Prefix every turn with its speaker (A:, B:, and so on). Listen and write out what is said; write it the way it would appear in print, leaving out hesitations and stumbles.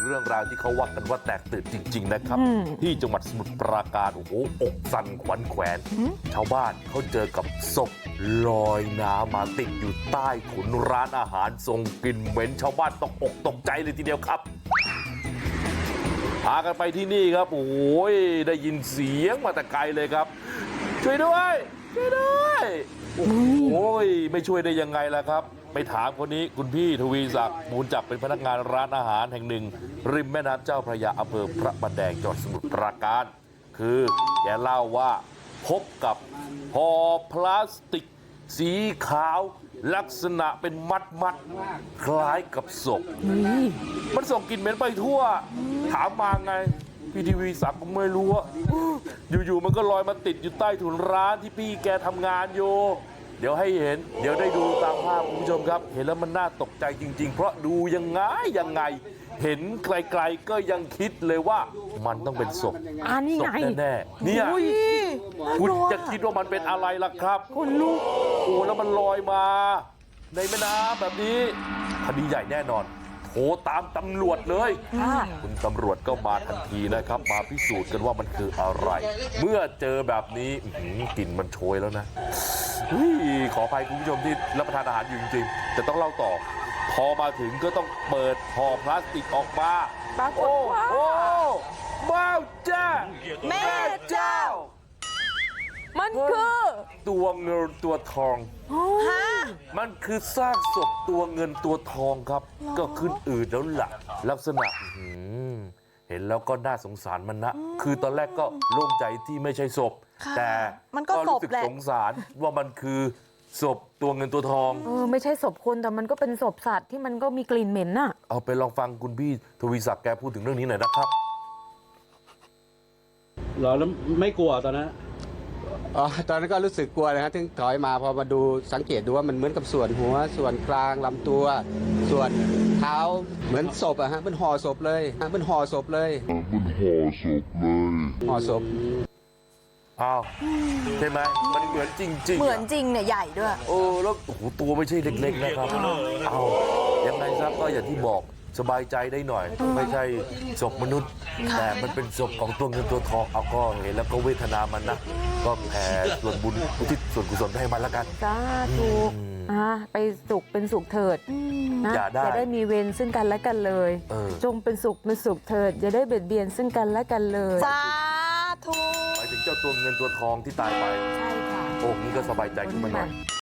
A: รื่องราวที่เขาว่ากันว่าแตกตื่นจริงๆนะครับที่จังหวัดสมุทรปราการโอ้โหอกสั่นขวัญแขวนชาวบ้านเขาเจอกับศพลอยน้ำมาติดอยู่ใต้ถุนร้านอาหารส่งกลิ่นเหม็นชาวบ้านตกอกตกใจเลยทีเดียวครับพากันไปที่นี่ครับโอ้โหได้ยินเสียงมาแต่ไกลเลยครับช่วยด้วยช่วยด้วยโอ้โหไม่ช่วยได้ยังไงล่ะครับไปถามคนนี้คุณพี่ทวีศักดิ์มูลจักเป็นพนักงานร้านอาหารแห่งหนึ่งริมแม่น้ำเจ้าพระยาอำเภอพระประแดงจังหวัดสมุทรปราการคือแกเล่าว่าพบกับห่อพลาสติกสีขาวลักษณะเป็นมัดคล้ายกับศพมันส่งกลิ่นเหม็นไปทั่วถามมาไงพี่ทีวีศักดิ์ก็ไม่รู้ว่าอยู่ๆมันก็ลอยมาติดอยู่ใต้ถุนร้านที่พี่แกทำงานอยู่เดี๋ยวให้เห็นเดี๋ยวได้ดูตามภาพคุณผู้ชมครับเห็นแล้วมันน่าตกใจจริงๆเพราะดูยังไงเห็นไกลๆก็ยังคิดเลยว่ามันต้องเป็นศพศพแน่ๆเนี่ยคุณจะคิดว่ามันเป็นอะไรล่ะครับคุณลูกโอ้แล้วมันลอยมาในแม่น้ำแบบนี้คดีใหญ่แน่นอนโทรตามตำรวจเลยคุณตำรวจก็มาทันทีนะครับมาพิสูจน์กันว่ามันคืออะไรเมื่อเจอแบบนี้กลิ่นมันโชยแล้วนะขออภัยคุณผู้ชมที่รับประทานอาหารอยู่จริงๆแต่ต้องเล่าต่อพอมาถึงก็ต้องเปิดห่อพลาสติกออกมาโอ้บ้าจ้าแม่เจ้า
B: มันคือ
A: ตัวเงินตัวทองมันคือซากศพตัวเงินตัวทองครับก็ขึ้นอืดแล้วล่ะลักษณะเห็นแล้วก็น่าสงสารมันนะคือตอนแรกก็โล่งใจที่ไม่ใช่ศพแต่ก็รู้สึกสงสารว่ามันคือศพตัวเงินตัวทอง
B: ไม่ใช่ศพคนแต่มันก็เป็นศพสัตว์ที่มันก็มีกลิ่นเหม็นน่ะ
A: เอาไปลองฟังคุณพี่ทวีศักดิ์แกพูดถึงเรื่องนี้หน่อยนะครับ
C: หรอแล้วไม่กลัวตอนนั้น
D: ตอนนั้นก็รู้สึกกลัวเลยฮะถึงถอยมาพอมาดูสังเกตดูว่ามันเหมือนกับส่วนหัวส่วนกลางลำตัวส่วนเท้าเหมือนศพอะฮะมันห่อศพเลยมันห่อศพเลยห่อศพ
A: อ้าวใช่ไหมมันเหมือนจริง
B: เหมือนจริงเนี่ยใหญ่ด้วย
A: แล้วโอ้โหตัวไม่ใช่เล็กๆนะครับเอายังไงซะก็อย่างที่บอกสบายใจได้หน่อยไม่ใช่ศพมนุษย์แต่มันเป็นศพของตัวเงินตัวทองเอาก็เห็นแล้วก็เวทนามันนะก็แผ่ส่วนบุญอุทิศส่วนกุศลให้มันแล้วกัน
B: สาธุไปสุขเป็นสุขเถิดนะอย่าได้มีเวรซึ่งกันและกันเลยจงเป็นสุขเถิดอย่าได้เบียดเบียนซึ่งกันและกันเลย
E: สาธุ
A: หมายถึงเจ้าตัวเงินตัวทองที่ตายไป
B: ใช่ค่ะ
A: โอ้นี่ก็สบายใจขึ้นมาหน่อย